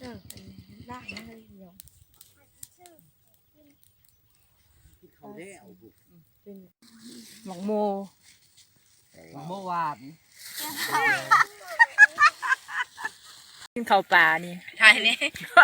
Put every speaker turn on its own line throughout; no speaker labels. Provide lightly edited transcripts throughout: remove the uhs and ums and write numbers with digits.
ล่างนั่นเลยเนาะ
เขาได้เอาบุ
เป็นหมองโม
เมื่อวาน
กินข้าวปลานี่
ใช่นี่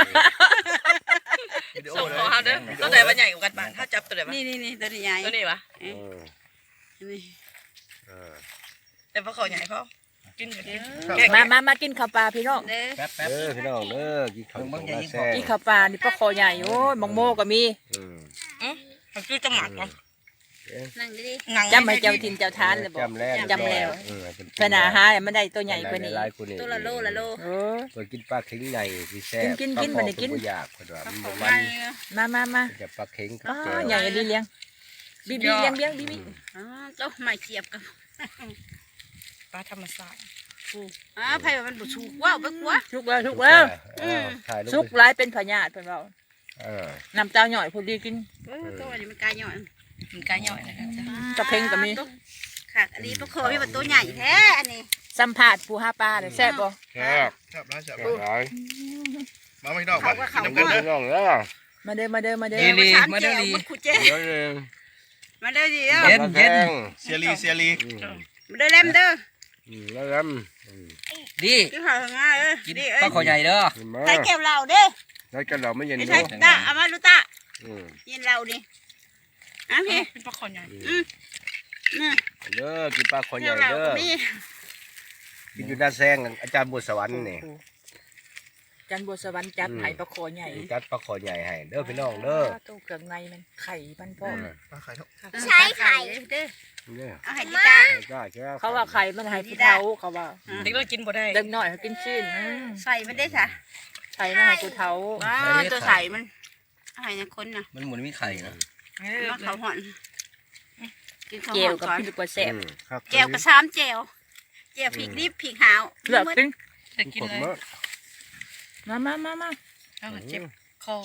ส่งของเขาเด้อตัวไหนมันใหญ่กว่ากันบ้างถ้าจับตัวไหนบ้าง
นี่ตัวใหญ่
ตัวนี้วะ
นี่
แต่พอเขาใหญ่เขากินอยู่ดี
มากินข้าวปลาพี่น้อง
เด้อ
แป๊บพี่น้องเด้อกินข้าวต้มมาแซ่
กินข้าวปลานี่ปลาคอใหญ่โอ้ยหมองโมก็มี
มันคือจะหมักวะ
นั่งดี
จำให้เจ้าทินเจ้าทานเลยบอก
จำแล้ว
จำแล้วขนาดหามันได้ตัวใหญ่กว่านี้
ตัวละโลละโล
โอ้
ตัวกินปลาเข็งใหญ่ที่แซ่บ
กินบ่ได้กิน
อยากคนว่ามัน
มา
จะปลาเข็งกับ
อ๋อ
แก้ว
ใหญ่ดีเลี้ยงบีเลี้ยงบี
ตัวไม่เทียบกับ
ปลาธรรมชาติ
ไผ่มันบุชูว้าวไปกว่า
ทุกแล้ว
ถ่ายรู
สุ
ป
กร้ายเป็นพญาติเพิ่นเว้า
เออ
น้ำเต้าหน่อยพอดีกิน
ตัวนี้มันกายย่อย
มันกล้าย่อยนะครับ
กระเพ็งก็มี
ค่ะอันนี้ปลาคอพี่มันตัวใหญ่แท้อันนี้
สัมภาษณ์ปูหาปลาแซ่บบ่
แซ่บ
ครับร้านจับ
แซ่บหลาย
มาไม่นอก
เขาก็เขา
กิน
ก็
น้ำกันเด้อ
พี่น้องเด้อ
มาเด้อ
มาเด้อมันขุดเจ
เดี๋ยวเลย
มาเด้อดี
เย็น
เซียรี
มาเด้อเล่มเด้อ
แล้วกัน
ดี
กินข้าวง่ายดี
ปลาขอใหญ่เด้อ
มา
ใส่แก้วเหล้าเด้อ
แล้วกันเราไม่เย็น
ไม่
ด้
ใช่
วย
ตาเอามาลูตายินเหล้าดิพี่
เป็นปลาขอใหญ่
เด้อกินปลาคอให
แก้
ญ่
วเหล้า
เด้อ
ก็มี
กินอยู่หน้าแซงอาจารย์บุษวรรค์นี่
จันบัวสวรรค์จัดไห้ปลาคอใหญ่
จัดปลาคอใหญ่ให้เด้อพี่น้องเด้อ
ตู้เครื่องในมันไข่มันพ่อ
ปลาไข่เท่า
ใช้ไข่เด้อ
เนี่ย
เอาให้ดีตา
เขาว่าไข่มันให้ผู้เฒ่าเขาว่า
เด็กเรากินบ่ได้
เด็กน้อยเขากินชิ้น
ใส่มันได้ค่ะ
ไข่มันให้ผู้เฒ่า
ตัวใส่มันเอาให้คนน่ะ
มันเหมือนมีไข่นะ
มาเขาห่อนกินข้าว
เก
ห่
ลี
อ
วน กับ
ก่อน
พี่ลูกกว่าแซ่บ
แก้วกระซ้ำแก้วแก้วพริกดิบพริกหาว
เลือกกิน
จะกินเลย
มา
เอาเจ็บคอง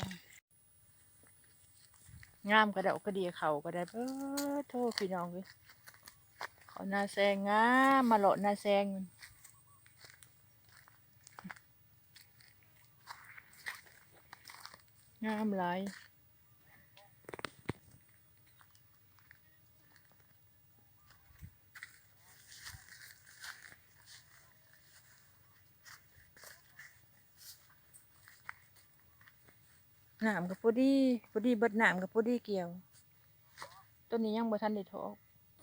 ามกระเดากระเดียเขาก็ได้โทษพี่น้องเลยขอหน้าแซงงามมาเลาะหน้าแซงงามหลายน้ำกับพอดีเบิดน้ำกับพอดีเกี่ยวต้นนี้ยังบ่ทันได้ทอก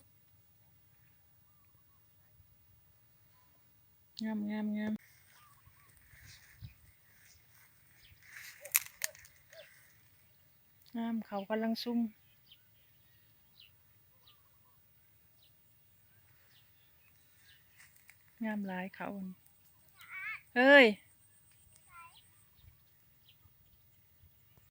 งามเขากำลังซุ่มงามหลายเขาเฮ้ย